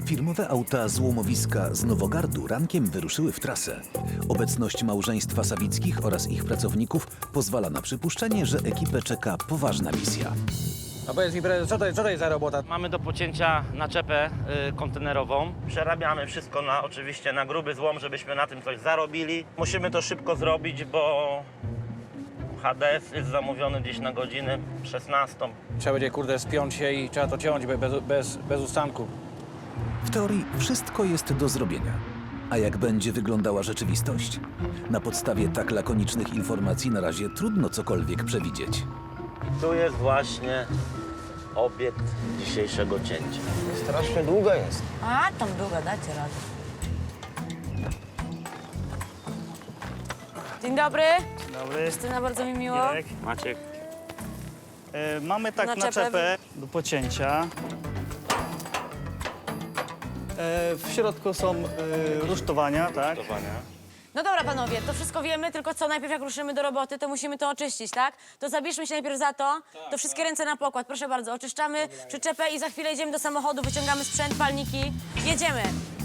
Firmowe auta złomowiska z Nowogardu rankiem wyruszyły w trasę. Obecność małżeństwa Sawickich oraz ich pracowników pozwala na przypuszczenie, że ekipę czeka poważna misja. A powiedz mi, prezes, co to jest za robota? Mamy do pocięcia naczepę kontenerową. Przerabiamy wszystko oczywiście na gruby złom, żebyśmy na tym coś zarobili. Musimy to szybko zrobić, bo HDS jest zamówiony gdzieś na godzinę 16. Trzeba będzie, kurde, spiąć się i trzeba to ciąć bez ustanku. W teorii wszystko jest do zrobienia. A jak będzie wyglądała rzeczywistość? Na podstawie tak lakonicznych informacji na razie trudno cokolwiek przewidzieć. Tu jest właśnie obiekt dzisiejszego cięcia. Strasznie długa jest. A, tam długo, dacie radę. Dzień dobry. Dobry, Justyna, bardzo mi miło. Jarek. Maciek. Mamy tak Naczepę. naczepę do pocięcia. W środku są rusztowania, tak? No dobra, panowie, to wszystko wiemy, tylko co, najpierw jak ruszymy do roboty, to musimy to oczyścić, tak? To zabierzmy się najpierw za to, to wszystkie ręce na pokład, proszę bardzo. Oczyszczamy przyczepę i za chwilę idziemy do samochodu, wyciągamy sprzęt, palniki, jedziemy.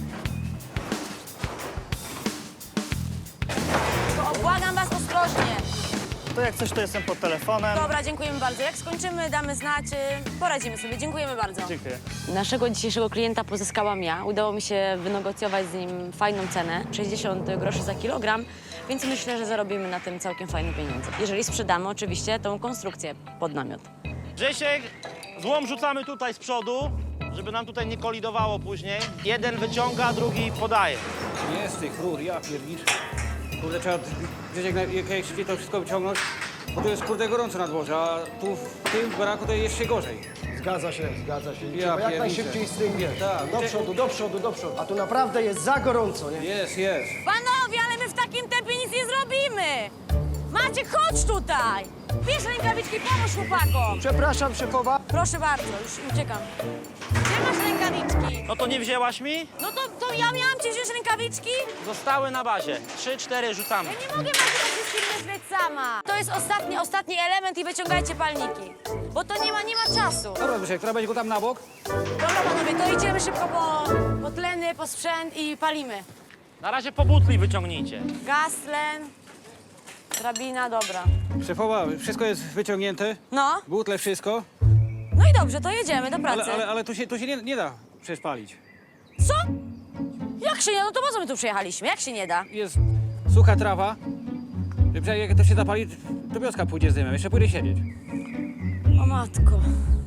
Tylko błagam was ostrożnie. To jak coś, to jestem pod telefonem. Dobra, dziękujemy bardzo. Jak skończymy, damy znać, poradzimy sobie. Dziękujemy bardzo. Dziękuję. Naszego dzisiejszego klienta pozyskałam ja. Udało mi się wynegocjować z nim fajną cenę, 60 groszy za kilogram, więc myślę, że zarobimy na tym całkiem fajne pieniądze. Jeżeli sprzedamy oczywiście tą konstrukcję pod namiot. Grzesiek, złom rzucamy tutaj z przodu, żeby nam tutaj nie kolidowało później. Jeden wyciąga, drugi podaje. Jest tych rur, ja pierniczę. Kurde, trzeba gdzieś jak szybciej to wszystko wyciągnąć, bo tu jest, kurde, gorąco na dworze, a tu w tym baraku to jest jeszcze gorzej. Zgadza się, zgadza się. Ja Trzeba jak pierniczę. najszybciej z tym, wiesz, Tak. do przodu, do przodu, do przodu. A tu naprawdę jest za gorąco, nie? Jest. Panowie, ale my w takim tempie nic nie zrobimy! Maciek, chodź tutaj! Bierz rękawiczki, pomóż chłopakom! Przepraszam, szefowa. Proszę bardzo, już uciekam. Gdzie masz rękawiczki? No to nie wzięłaś mi? No to ja miałam ci wziąć rękawiczki? Zostały na bazie. 3-4 rzucamy. Ja nie mogę Maciek wszystkim myśleć sama. To jest ostatni element i wyciągajcie palniki. Bo to nie ma czasu. Dobra, Zbyszek, która będzie go tam na bok? Dobra, panowie, to idziemy szybko po tleny, po sprzęt i palimy. Na razie po butli wyciągnijcie. Gaz, tlen, drabina, dobra. Szefowa, wszystko jest wyciągnięte, No, butle, wszystko, no i dobrze, to jedziemy do pracy. ale tu się nie da przecież palić. Co? Jak się nie da? No to po co my tu przyjechaliśmy? Jak się nie da? Jest sucha trawa, że jak to się zapali, to wioska pójdzie z dymem, jeszcze pójdę siedzieć. O matko.